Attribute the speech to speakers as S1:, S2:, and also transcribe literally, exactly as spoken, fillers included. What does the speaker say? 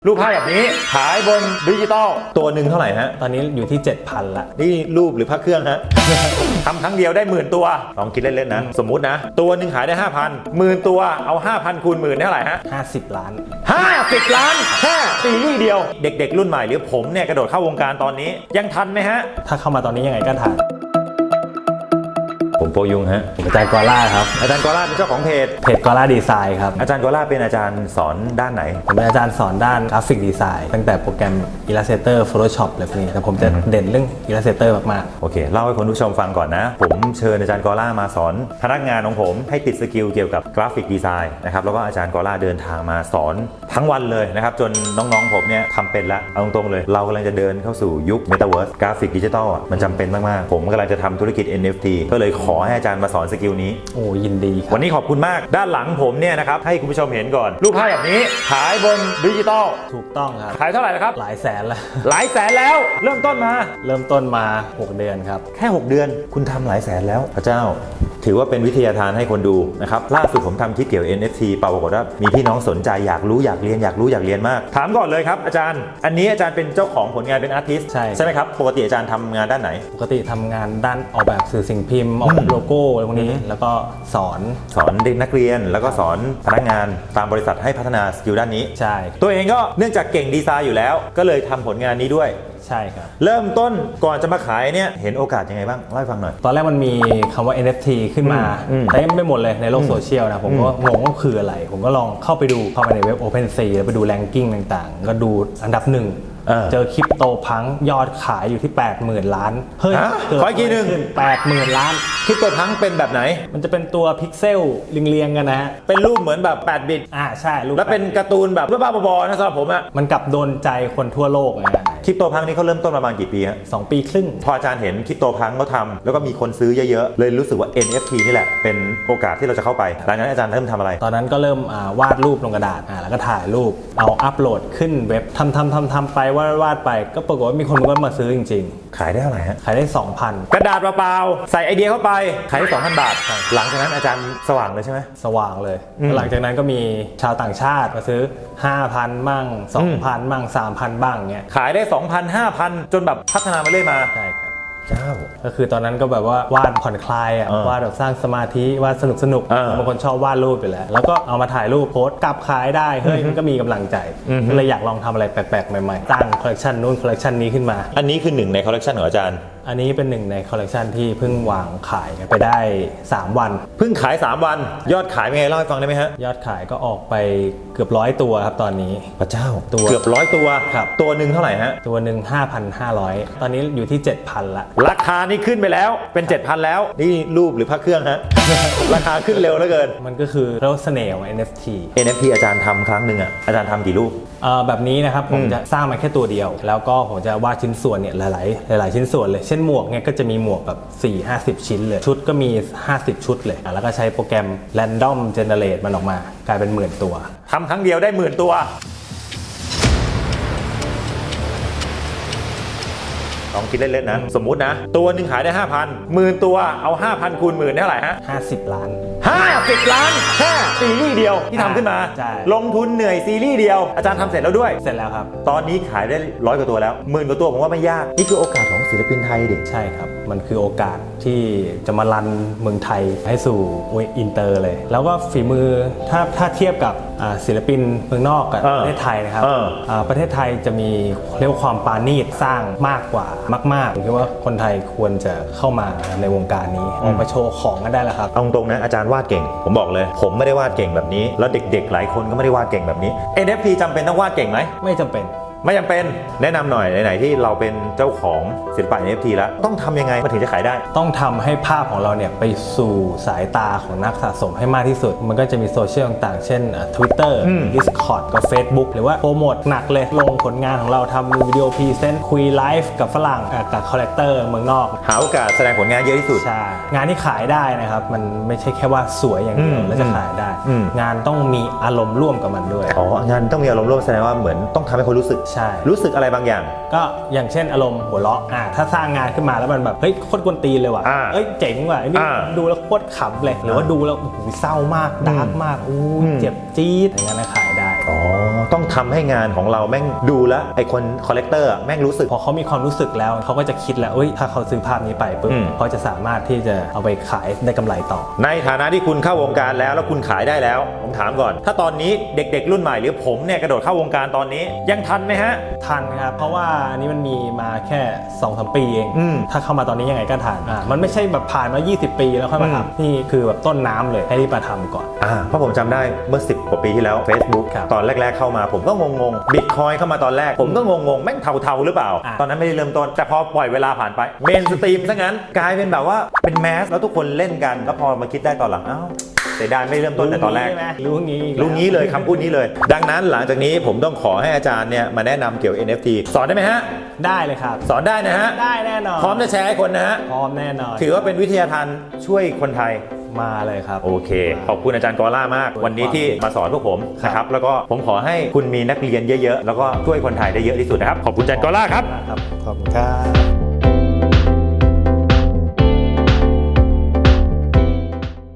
S1: รูปภาพแบบนี้ขายบนดิจิตอลตัวหนึ่งเท่าไหร่ฮะ
S2: ตอนนี้อยู่ที่ เจ็ดพัน ละ
S1: นี่รูปหรือพระเครื่องฮะ ทำครั้งเดียวได้หมื่นตัวลองคิดเล่นๆนะสมมุตินะตัวหนึ่งขายได้ ห้าพัน หมื่นตัวเอา ห้าพัน คูณหมื่นเท่าไหร่ฮะ
S2: ห้าสิบล้าน
S1: ห้าสิบล้านแค่ซีรีส์เดียวเด็กๆรุ่นใหม่หรือผมเนี่ยกระโดดเข้าวงการตอนนี้ยังทันไหมฮะ
S2: ถ้าเข้ามาตอนนี้ยังไงก็ทัน
S1: ผมโปยุงฮะ
S2: ผมอาจารย์กอล่าครับ
S1: อาจารย์กอล่าเป็นเจ้าของเพจ
S2: เพจกอล่าดีไซน์ครับ
S1: อาจารย์กอล่าเป็นอาจารย์สอนด้านไหน
S2: ผมเป็นอาจารย์สอนด้านกราฟิกดีไซน์ตั้งแต่โปรแกรม Illustrator Photoshop อะไรพวกนี้แต่ผมจะเด่นเรื่อง Illustrator มาก
S1: ๆโอเคเล่าให้คุณผู้ชมฟังก่อนนะผมเชิญอาจารย์กอล่ามาสอนพนักงานของผมให้ติดสกิลเกี่ยวกับกราฟิกดีไซน์นะครับแล้วก็อาจารย์กอล่าเดินทางมาสอนทั้งวันเลยนะครับจนน้องๆผมเนี่ยทำเป็นละเอาตรงๆเลยเรากำลังจะเดินเข้าสู่ยุค Metaverse กราฟิกดิจิทัลมันจำเป็นมากๆผมกำลังจะทำธุรกิจ เอ็น เอฟ ที ก็เลยขอให้อาจารย์มาสอนสกิลนี้
S2: โอ้ยินดีครับ
S1: วันนี้ขอบคุณมากด้านหลังผมเนี่ยนะครับให้คุณผู้ชมเห็นก่อนรูปภาพแบบนี้ขายบนดิจิตอล
S2: ถูกต้องครับ
S1: ขายเท่าไหร่นะครับ
S2: หลายแสนแล้ว
S1: หลายแสนแล้วเริ่มต้นมา
S2: เริ่มต้นมาหกเดือนครับ
S1: แค่หกเดือนคุณทำหลายแสนแล้วพระเจ้าถือว่าเป็นวิทยาทานให้คนดูนะครับล่าสุดผมทำคลิปเกี่ยว เอ็น เอฟ ที ปรากฏว่ามีพี่น้องสนใจอยากรู้อยากเรียนอยากรู้อยากเรียนมากถามก่อนเลยครับอาจารย์อันนี้อาจารย์เป็นเจ้าของผลงานเป็นอาร์ติสต์
S2: ใช่
S1: ใช่ไหมครับปกติอาจารย์ทำงานด้านไหน
S2: ปกติทำงานด้านออกแบบสื่อสิ่งพิมพ์ออกแบบโลโก้อะไรพวกนี้แล้วก็สอน
S1: สอนเด็กนักเรียนแล้วก็สอนพนักงานตามบริษัทให้พัฒนาสกิลด้านนี้
S2: ใช่
S1: ตัวเองก็เนื่องจากเก่งดีไซน์อยู่แล้วก็เลยทำผลงานนี้ด้วย
S2: ใช่ครับ
S1: เริ่มต้นก่อนจะมาขายเนี่ยเห็นโอกาสยังไงบ้างเล่าให้ฟังหน่อย
S2: ตอนแรกมันมีคำว่า เอ็น เอฟ ที ขึ้นมาเต็มไปหมดเลยในโลกโซเชียลนะผมก็งงว่าคืออะไรผมก็ลองเข้าไปดูเข้าไปในเว็บ OpenSea แล้วไปดูแรงกิ้งต่างๆก็ดูอันดับหนึ่งเจอคริปโตพังยอดขายอยู่ที่ แปดหมื่น ล้าน
S1: เฮ้ยขออีกทีนึง
S2: แปดหมื่น ล้าน
S1: คริปโตพังเป็นแบบไหน
S2: มันจะเป็นตัวพิกเซลเรียงๆกันนะฮะ
S1: เป็นรูปเหมือนแบบแปดบิต
S2: อ่าใช่รูป
S1: แล้วเป็นการ์ตูนแบบบ้าๆบอๆนะสำหรับผมอะ
S2: มันกลับโดนใจคนทั่วโลกนะ
S1: คริปโตพังนี่เขาเริ่มต้นประมาณกี่ปีฮะ
S2: สองปีครึ่ง
S1: พออาจารย์เห็นคริปโตพังเขาทำแล้วก็มีคนซื้อเยอะๆเลยรู้สึกว่า เอ็น เอฟ ที นี่แหละเป็นโอกาสที่เราจะเข้าไปหลังจากนั้นอาจารย์เริ่มทำอะไร
S2: ตอนนั้นก็เริ่มวาดรูปลงกระดาษอ่าแล้วก็ถ่ายรูปเอาอัพโหลดขึ้นเว็บทำทำทำทำไปวาดวาดไปก็ปรากฏว่ามีคนก็มาซื้อจริง
S1: ๆขายได้เท่าไหร่ฮะ
S2: ขายได้ สองพัน
S1: กระดาษเปล่าๆใส่ไอเดียเข้าไปขายได้ สองพัน บาทหลังจากนั้นอาจารย์สว่างเลยใช่ไหม
S2: สว่างเลยหลังจากนั้นก็มีชาวต่างชาติมาซื้อ ห้าพัน มั่ง สองพัน มั่ง สามพัน บ้างเงี้ย
S1: ขายได้ สองพัน ห้าพัน จนแบบพัฒนามาเรื่อยมา
S2: ใช่ครับ
S1: เจ้า
S2: ก็คือตอนนั้นก็แบบว่าวาดผ่อนคลายอ่ะวาดแบบสร้างสมาธิวาดสนุกสนุกบางคนชอบวาดรูปอยู่แล้วแล้วก็เอามาถ่ายรูปโพสต์กลับขายได้เฮ้ยมันก็มีกำลังใจก็เลยอยากลองทำอะไรแปลกๆใหม่ๆตั้งคอลเลคชันนู้นคอลเลคชันนี้ขึ้นมา
S1: อันนี้คือหนึ่งในคอลเลคชันของอาจารย์
S2: อันนี้เป็นหนึ่งในคอลเลคชันที่เพิ่งวางขายไปได้สามวัน
S1: เพิ่งขายสามวันยอดขายเป็นไงเล่าให้ฟังได้ไหมฮะ
S2: ยอดขายก็ออกไปเกือบร้อยตัวครับตอนนี้
S1: พระเจ้าตัวเกือบร้อยตัว
S2: ครับ
S1: ตัวหนึ่งเท่าไหร่ฮะ
S2: ตัวหนึ่ง ห้าพันห้าร้อย ตอนนี้อยู่ที่ เจ็ดพัน ละ
S1: ราคานี่ขึ้นไปแล้วเป็น เจ็ดพัน แล้วนี่รูปหรือพระเครื่องฮะ ราคาขึ้นเร็วเหลือเกิน
S2: มันก็คือเรียกว่าเสน่ห์ของ เอ็น เอฟ ที
S1: เอ็น เอฟ ที อาจารย์ทำครั้งหนึ่งอ่ะอาจารย์ทำกี่รูป
S2: แบบนี้นะครับผมจะสร้างมาแค่ตัวเดียวแล้วก็ผมจะวาดชิ้นส่วนเนี่ยหลายๆหลายๆชิ้นส่วนเลยเช่นหมวกเนี่ยก็จะมีหมวกแบบ สี่ห้าสิบ ชิ้นเลยชุดก็มีห้าสิบชุดเลยแล้วก็ใช้โปรแกรม Random Generate มันออกมากลายเป็นหมื่นตัว
S1: ทำครั้งเดียวได้หมื่นตัวลองคิดเล่นๆนะสมมุตินะตัวหนึ่งขายได้ ห้าพัน หมื่นตัวเอา ห้าพัน คูณหมื่นเท่าไหร่ฮะ
S2: ห้าสิบล้าน
S1: ห้าสิบล้านแค่ซีรีส์เดียวที่ทำขึ้นมาลงทุนเหนื่อยซีรีส์เดียวอาจารย์ทำเสร็จแล้วด้วย
S2: เสร็จแล้วครับ
S1: ตอนนี้ขายได้ร้อยกว่าตัวแล้วหมื่นกว่าตัวผมว่าไม่ยากนี่คือโอกาสของศิลปินไทยดิ
S2: ใช่ครับมันคือโอกาสที่จะมารันเมืองไทยให้สู่อินเตอร์เลยแล้วก็ฝีมือถ้าถ้าเทียบกับศิลปินเมืองนอกกับประเทศไทยนะครับประเทศไทยจะมีเรียกว่าความปราณีตสร้างมากกว่ามากๆผมคิดว่าคนไทยควรจะเข้ามาในวงการนี้ออกมาโชว์ของกันได้แล้วครับ
S1: เอาตรงๆนะอาจารย์วาดเก่งผมบอกเลยผมไม่ได้วาดเก่งแบบนี้แล้วเด็กๆหลายคนก็ไม่ได้วาดเก่งแบบนี้ เอ็น เอฟ ที จำเป็นต้องวาดเก่งไหม
S2: ไม่จำเป็น
S1: ไม่จำเป็นแนะนำหน่อยไหนๆที่เราเป็นเจ้าของศิลปะ เอ็น เอฟ ที แล้วต้องทำยังไงมันถึงจะขายได้
S2: ต้องทำให้ภาพของเราเนี่ยไปสู่สายตาของนักสะสมให้มากที่สุดมันก็จะมีโซเชียลต่างๆเช่น Twitter Discord กับ Facebook หรือว่าโปรโมทหนักเลยลงผลงานของเราทำวิดีโอพรีเซนต์คุยไลฟ์กับฝรั่งกับคอลเลกเตอร์เมืองนอก
S1: หาโอกาสแสดงผลงานเยอะที่สุด
S2: ใช่งานที่ขายได้นะครับมันไม่ใช่แค่ว่าสวยอย่างเดียวแล้วจะขายได้งานต้องมีอารมณ์ร่วมกับมันด้วย
S1: อ๋องานต้องมีอารมณ์ร่วมแสดงว่าเหมือนต้องทำให้คนรู้สึก
S2: ใช่
S1: รู้สึกอะไรบางอย่าง
S2: ก็อย่างเช่นอารมณ์หัวเราะอ่าถ้าสร้างงานขึ้นมาแล้วมันแบบเฮ้ยโคตรกวนตีนเลยว่ะเอ้ยเจ๋งว่ะไอ้นี่ดูแล้วโคตรขำเลยหรือว่าดูแล้วโอ้โหเศร้ามากดาร์กมากอู้เจ็บจี๊ดอย่างนั้นขายได้
S1: อ๋อต้องทำให้งานของเราแม่งดูแลวไอคนคอลเลกเตอร์แม่งรู้สึก
S2: พอเขามีความรู้สึกแล้วเขาก็จะคิดแล้วเอ้ยถ้าเขาซื้อภาพนี้ไปปุ๊บ
S1: อืม
S2: เขาจะสามารถที่จะเอาไปขายได้กำไรต่อ
S1: ในฐานะที่คุณเข้าวงการแล้วแล้วคุณขายได้แล้วผมถามก่อน ถ้าตอนนี้เด็กๆรุ่นใหม่หรือผมเนี่ยกระโดดเข้าวงการตอนนี้ยังทันไหมฮะ
S2: ทันครับเพราะว่าอันนี้มันมีมาแค่ สองถึงสาม ปีเอง
S1: อืม
S2: ถ้าเข้ามาตอนนี้ยังไงก็ทันอ่ามันไม่ใช่แบบผ่านมา ยี่สิบ ปีแล้วค่อยมา
S1: อืม
S2: ทำนี่คือแบบต้นน้ำเลยให้รีบมาทำก่อน
S1: อ่าเพราะผมจำได้เมื่อสิบกว่าปีที่แล้ว Facebook
S2: ครับ
S1: ตอนแรกๆเข้ามาผมก็งงๆบิตคอยเข้ามาตอนแรกผมก็งงๆแม่งเทาๆหรือเปล่า
S2: อ่ะ
S1: ตอนนั้นไม่ได้เริ่มต้นแต่พอปล่อยเวลาผ่านไปเมนสตรีมซะงั้นกลายเป็นแบบว่าเป็นแมสแล้วทุกคนเล่นกันแล้วพอมาคิดได้ตอนหลังอ้าวเสียดายไม่เริ่มต้นแต่ตอนแรก
S2: รู้งี้อีกแล้ว
S1: รู้งี้เลยคำพูดนี้เลย ดังนั้นหลังจากนี้ผมต้องขอให้อาจารย์เนี่ยมาแนะนำเกี่ยวกับ เอ็น เอฟ ที สอนได้ไหมฮะ
S2: ได้เลยครับ
S1: สอนได้นะฮะ
S2: ได้แน่นอน
S1: พร้อมจะแชร์ให้คนนะฮะ
S2: พร้อมแน่นอน
S1: ถือว่าเป็นวิทยาทานช่วยคนไทย
S2: มาเลยครับ
S1: โอเค ขอบคุณอาจารย์กอล่ามาก วันนี้ที่มาสอนพวกผม
S2: ครับ
S1: นะครับ แล้วก็ผมขอให้คุณมีนักเรียนเยอะๆ แล้วก็ช่วยคนไทยได้เยอะที่สุดนะครับ ขอบคุณอาจารย์กอล่าครับ
S2: ครับขอบคุณครับ